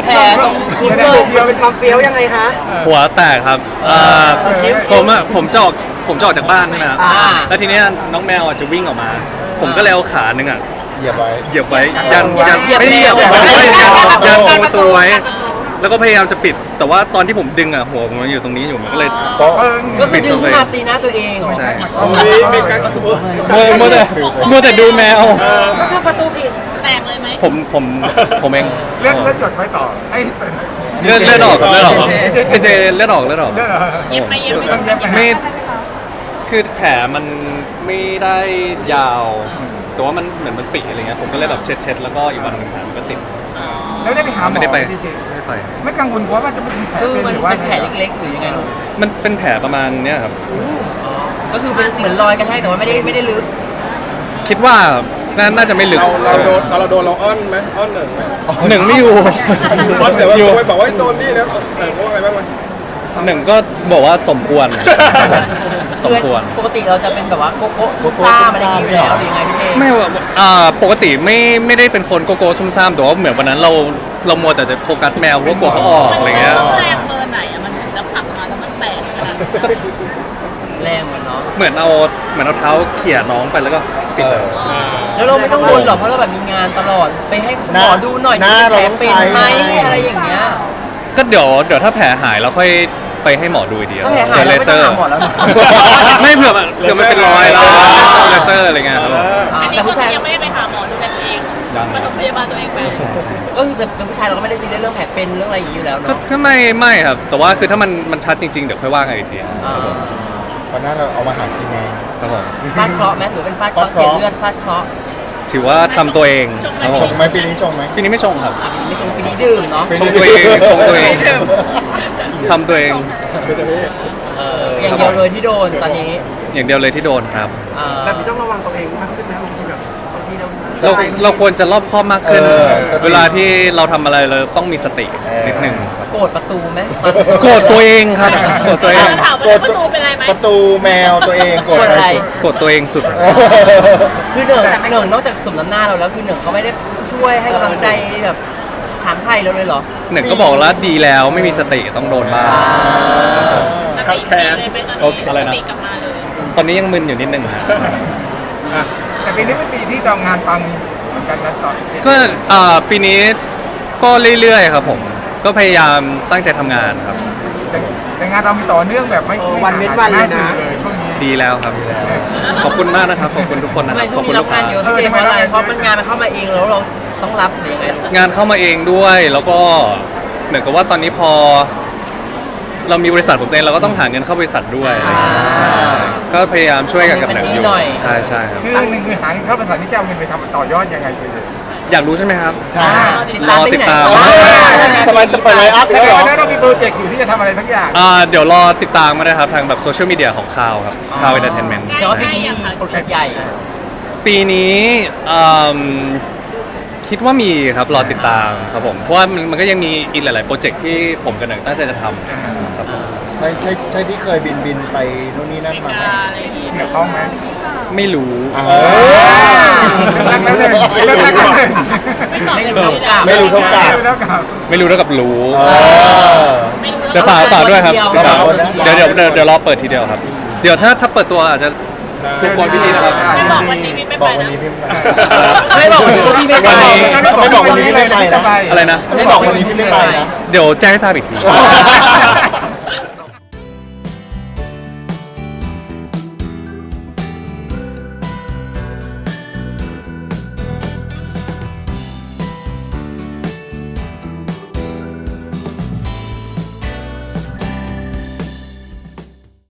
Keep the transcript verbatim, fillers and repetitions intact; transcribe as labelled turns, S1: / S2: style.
S1: แผลตรงคิ้วเลยเราเป็นความเฟี้ยวยังไงฮะ
S2: หัวแตกครับเอ่อผมอะผมจะออกผมจะออกจากบ้านใช่ไหมครับ
S1: อ่า
S2: แล้วทีเนี้ยน้องแมวอะจะวิ่งออกมา ผมก็เลยเอาขาหนึ่งอ่ะ
S3: เหยียบไว้
S2: เหยียบไว้ยันยัน
S1: เหยียบ
S2: ไม่ได้เหยียบ
S1: เหยียบ
S2: ไม่ได้ยัน
S1: เหยียบ
S2: ยันตรงประตูไว้ แล้วก็พยายามจะปิด แต่ว่าตอนที่ผมดึงอ่ะหัวผมมันอยู่ตรงนี้อยู่มันก็เลย
S3: โป๊ะ
S1: ก็คือดึงขึ้นมาตีหน้าตัวเองเหรอ
S2: ใช่
S3: โอ้ยมีการขับตัว
S2: มัวมัวแต่มัวแต่ดูแมว
S4: ก็คือประตูผิดแตกเลยไหม
S2: ผมผมผมเอง
S5: เลื่อนเลื่อนจดไว้ต่อไอ้
S2: เลือดเลือดออกครับเลือดออกครับเจเจเลือดออกเลือดออก
S5: เลื่อนเหรอ
S4: เย็บไหมเย็บไหม
S5: ต้องเย็บไหม
S2: ไม่คือแผลมันไม่ได้ยาว แต่ว่ามันเหมือนมันปิอะไรเงี้ยผมก็เลยแบบเช็ดเช็ดแล้วก็อีกวันหนึ่งแผลมันก็ติด
S5: แล้วได้ไปหาหมอ
S2: ไม่ได้ไป
S5: จริง
S2: ไม่ได้ไป
S5: ๆไม่กังวลเพราะว่าจะเป็นแผล
S1: คือ
S5: เป็น
S1: มัน
S5: หรือว่า
S1: เป็นแผลเล็กๆหรือยังไงลูก
S2: มันเป็นแผลประมาณเนี้ยครับ
S1: ก็คือเป็นเหมือนรอยกระแทกแต่ว่าไม่ได้ไม่ได้ลึก
S2: คิดว่าน่าน่าจะไม่ลึก
S6: เราเราโดนเราโดนเราอ้อนไหมอ้อนหนึ่งไหม
S2: หนึ่งไม่อยู่
S6: อ้อนแต่ว่า
S2: อยู่
S6: ไปบอกว่าโดนนี่นะเออเขาว่าไงบ้างไหม
S2: หนึ่งก็บอกว่าสมควร สมควร
S1: ปกติเราจะเป็นแบบว่าโกโก้ซุ่มซ่ามอะไรอย่างนี้อยู่แล้วหรือยังไงพี่เจ
S2: ไม่ว่าอ่าปกติไม่ไม่ได้เป็นคนโกโก้ซุ่มซ่ามแต่ว่าเหมือนวันนั้นเราเรามัวแต่จะโฟกัสแมวเพราะว่ากลัวเขาออกอะไรเงี้ย
S4: แรงเบอร์ไหนอะมันถึงจะผลักมาแล้วมันแตกขนาดนั้น
S1: แรงเหมือนเนาะ
S2: เหมือนเอาเหมือนเอาเท้าเขี่ยน้องไปแล้วก็ปิดเลย
S1: แล้วเราไม่ต้องวนหรอกเพราะเราแบบมีงานตลอดไปให้หมอดูหน่อย
S3: หน้า
S1: แผล
S3: เราต้อง
S1: เป็น
S3: ใช้
S1: ไหมอะไรอย่างเงี้ย
S2: ก็เดี๋ยวเดี๋ยวถ้าแผลหายเราค่อยไปให้หมอดูอีกที
S1: ถ้าแผลหายเราไม่ต้องหาหมอแล้วนะ
S2: ไม่เผื่อมันเผื่อมันเป็นรอยแล้วเลเซอร์อะไรเงี้ยครับผม
S1: อ่า
S4: อันนี้
S1: แต่
S4: ก็
S1: ผู้ชาย
S4: ยังไม่ได้ไปหาหมอดูแลตัวเอง
S2: ยัง
S4: ปฐมพยาบาลตัวเองไป
S1: ก็คือแต่เป็นผู้ชายเราก็ไม่ได้ซีเรียสเรื่องแผลเป็นเรื่องอะไรอย่างนี้อยู่แล้ว
S2: ก็
S1: เนาะ
S2: ก็ไม่ไม่ครับ แต่ว่าคือถ้ามันมันชัดจริง ๆ เดี๋ยวค่อยว่ากันอีกที
S1: อ่า
S3: วันนั้นเราเอามาหากินเอง
S2: ครับผม
S1: ฟาดเคราะห์ไหมหรือเป็นฟาดเคราะห์เสียเลือดฟาดเคราะห์
S2: ถือว่าทำตัวเองครับผ
S3: ช
S2: ม
S3: งไหมปีนี้ชงไหม
S2: ปีนี้ไม่ชงครับ
S1: อ่ะปีนี้ไม่ชงปีนี้ดื่มเนาะ
S2: ชงตัวเองชงตัวเองทำตัวเอง
S1: เอออย่างเดียวเลยที่โดนตอนนี้
S2: อย่างเดียวเลยที่โดนครับ
S1: อ่า
S7: แบบนี้ต้องระวังตัวเองมากขึ้นไหมบางทีแบบบางทีเรา
S2: เราเราควรจะรอบคอบมากขึ้น
S3: เออสติ
S2: เวลาที่เราทำอะไรเราต้องมีสตินิดนึง
S1: โกรธประตูไหม
S2: โกรธตัวเองครับโกรธตัวเอง
S4: ถามว่าประตูเป็นไรไหม
S3: ประตูแมวตัวเองกด
S1: โกรธอะไร
S2: โกรธตัวเองสุด
S1: คือหนึ่งหนึ่งนอกจากสมน้ำหน้าเราแล้วคือหนึ่งเขาไม่ได้ช่วยให้กำลังใจแบบถามไทยเราเลยเหรอ
S2: หนึ่งก็บอกแล้วดีแล้วไม่มีสติต้องโดนบ้าง
S4: สติดีเลยเป็นตอน
S2: โอเค
S4: นี้
S2: อะไร
S4: ส
S2: นะ
S4: ติกลับมาเลย
S2: ตอนนี้ยังมึนอยู่นิดนึงฮะ
S5: อ่ะแต่ปีนี้เป็นปีที่ดองงานปังเหมือนกันนะต่อ
S2: ก็อ่าปีนี้ก็เรื่อยๆครับผม ก็พยายามตั้งใจทำงานครับ
S5: แต่แต่งานเรามีต่อเนื่องแบบไม่
S7: เออ
S5: ไม่
S7: วันเว้นวันเลยนะ
S5: หาสื่อเลยช่วงนี้
S2: ดีแล้วครับ ขอบคุณมากนะครับ ขอบคุณทุกคนนะ
S1: ทำ
S2: ค
S1: ไม
S2: รับ
S1: ช่
S2: ข
S1: ว
S2: อบ
S1: ง
S2: คุ
S1: นี้
S2: ณ
S1: รั
S2: ลู
S1: บ
S2: ก
S1: งา
S2: ค้าน
S1: เยอะพี่เจเพราะอะไรเพราะมันงานมันเข้ามาเองแล้วเราต้องรับหรือยังไง
S2: งานเข้ามาเองด้วย แล้วก็เหมือนกับว่าตอนนี้พอ เรามีบริษัทของตัวเองเราก็ต้องหาเงินเข้าบริษัทด้วยอะไรอย่างเงี้ยใช่ก็พยายามช่วยกันกับหนังอยู่ใช่ใช่ครับ
S5: คือหนึ่งคือหาเงินเข้าภาษาที่จะเอาเงินไปทำต่อยอดยังไงไปเลย
S2: อยากรู้ใช่ไหมครับ
S3: ใช่
S1: ติดตามที่ไหน
S2: รอติดตาม
S1: อ่า
S3: ทำไมจะเปิดไลน์อัพ
S5: แส
S3: แล้ว
S5: ด
S3: เหรอ
S5: งว่าเรามีโปรเจกต์อยู่ที่จะทำอะไรทั้งอย่าง
S2: อ่าเดี๋ยวรอติดตามมาได้ครับทางแบบโซเชียลมีเดียของคาวครับคาวเอนเตอร์เทนเมนต์
S1: แต่ว่าปีนี้มีโปรเจกต์ใหญ่
S2: ปีนี้อืมคิดว่ามีครับรอติดตามครับผม เพราะว่ามันมันก็ยังมีอีกหลาย ๆ โปรเจกต์ที่ผมกับหนังตั้งใจจะทำครับผม
S3: ใช่ใช่ใช่ที่เคยบินบินไปนู่นนี่นั่น
S4: ติด
S3: มาไหม
S4: ตาอะไรอย่างงี้
S5: เกี่ยวข้องไหม
S2: ไม่รู้
S3: อ่า
S5: รักแล้วเลยเลิกรักแล้วเลย
S4: ไม่ตอบ
S1: ไม่
S4: ไม่
S1: รู้
S4: รู้
S1: กลับ
S3: ไม่รู้เท่ากับ
S5: ไม่รู้เท่ากับ
S2: ไม่รู้เท่ากับรู้
S3: เออ
S4: ไม่รู้
S2: เดี๋ยวฝากฝากด้วยครับ
S1: เดี๋ยว
S2: ฝาก
S3: เดี๋
S2: เดี๋ย
S3: ยว ว
S2: เดี๋ยวเดี๋ยวเดี๋ยวรอเปิดทีเดียวครับ เดี๋ยวถ้าถ้าเปิดตัวอาจจะรบกวนพี่ทีนะครับ
S4: ไม่บอกวันนี้ไม่
S3: บ
S4: ไป
S3: อกวัน
S4: นะ
S3: นี้พี่
S1: ไม่บอกวันนี้ก็พี่ไม่ไป
S2: วันนี้
S3: ไม่บอกวันนี้พี่ไม่ไปนะ
S2: อะไรนะ
S3: ไม่บอกวันนี้พี่ไม่ไปนะ
S2: เดี๋ยวแจ้งให้ทราบอีกที